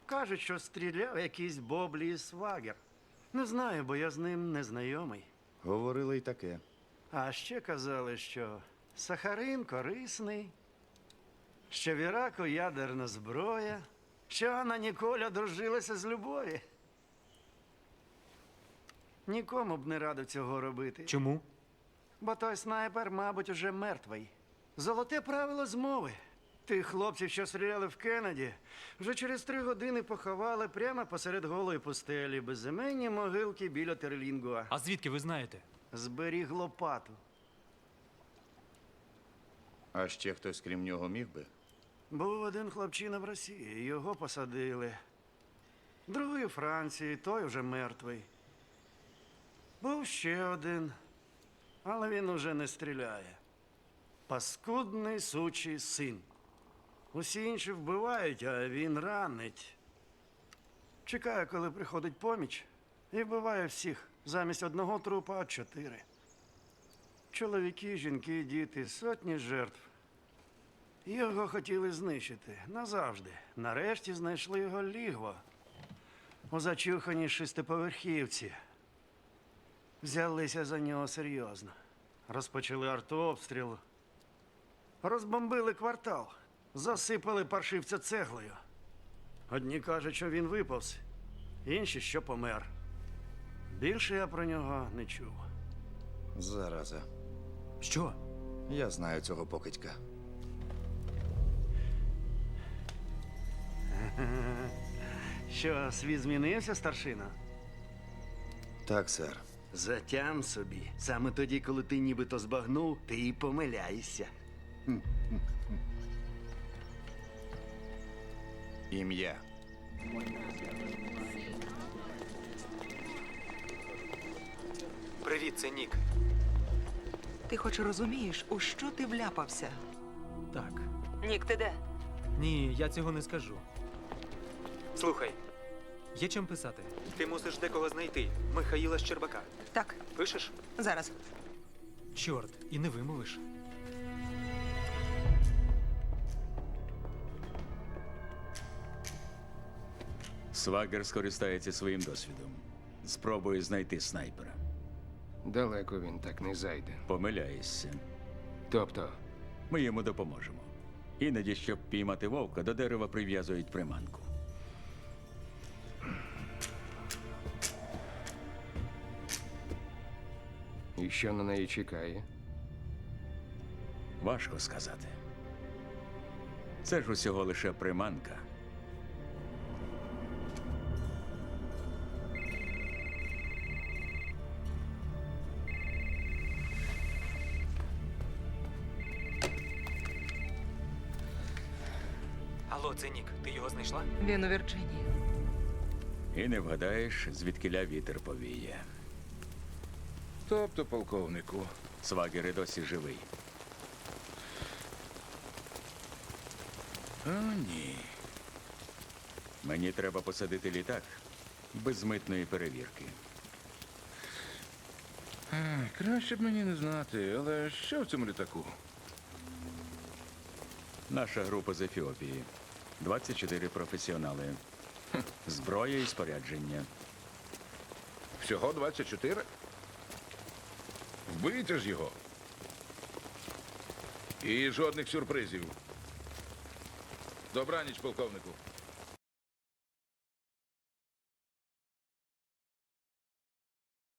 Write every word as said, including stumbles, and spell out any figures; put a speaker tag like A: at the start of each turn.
A: Кажуть, що стріляв якийсь Боблі Свагер. Не знаю, бо я з ним не знайомий.
B: Говорили й таке.
A: А ще казали, що сахарин корисний, що в Іраку ядерна зброя, що Анна Ніколь одружилася з любові. Нікому б не радив цього робити.
C: Чому?
A: Бо той снайпер, мабуть, уже мертвий. Золоте правило змови. Тих хлопців, що стріляли в Кеннеді, вже через три години поховали прямо посеред голої пустелі, безіменні могилки біля Терлінгуа.
C: А звідки ви знаєте?
A: Зберіг лопату.
B: А ще хтось крім нього міг би?
A: Був один хлопчина в Росії, його посадили. Другий у Франції, той вже мертвий. Був ще один, але він уже не стріляє. Паскудний сучий син. Усі інші вбивають, а він ранить. Чекає, коли приходить поміч, і вбиває всіх. Замість одного трупа чотири. Чоловіки, жінки, діти, сотні жертв. Його хотіли знищити назавжди. Нарешті знайшли його лігво. У зачуханій шестиповерхівці. Взялися за нього серйозно. Розпочали артобстріл. Розбомбили квартал. Засипали паршивця цеглою. Одні кажуть, що він виповз, інші, що помер. Більше я про нього не чув.
B: Зараза.
C: Що?
B: Я знаю цього покидька.
A: Що, світ змінився, старшина?
B: Так, сер.
A: Затям собі. Саме тоді, коли ти нібито збагнув, ти і помиляєшся.
B: Ім'я.
C: Привіт, це Нік.
D: Ти хоч розумієш, у що ти вляпався?
C: Так.
D: Нік, ти де?
C: Ні, я цього не скажу. Слухай, є чим писати. Ти мусиш декого знайти. Михаїла Щербака.
D: Так,
C: Пишеш?
D: зараз.
C: Чорт, і не вимовиш.
E: Свагер скористається своїм досвідом. Спробує знайти снайпера.
F: Далеко він так не зайде.
E: Помиляєшся.
F: Тобто,
E: Ми йому допоможемо. Іноді, щоб піймати вовка, до дерева прив'язують приманку.
F: і що на неї чекає?
E: Важко сказати. Це ж усього лише приманка.
C: Алло, це Нік. Ти його знайшла?
D: Він у Вірджинії.
E: І не вгадаєш, звідкиля вітер повіє.
F: Тобто, полковнику,
E: Свагер і досі живий. О, ні. Мені треба посадити літак без митної перевірки.
F: краще б мені не знати, але що в цьому літаку?
E: Наша група з Ефіопії. двадцять чотири професіонали. Зброя і спорядження.
F: Всього двадцять чотири? Вбийте ж його. І жодних сюрпризів. Добраніч, полковнику.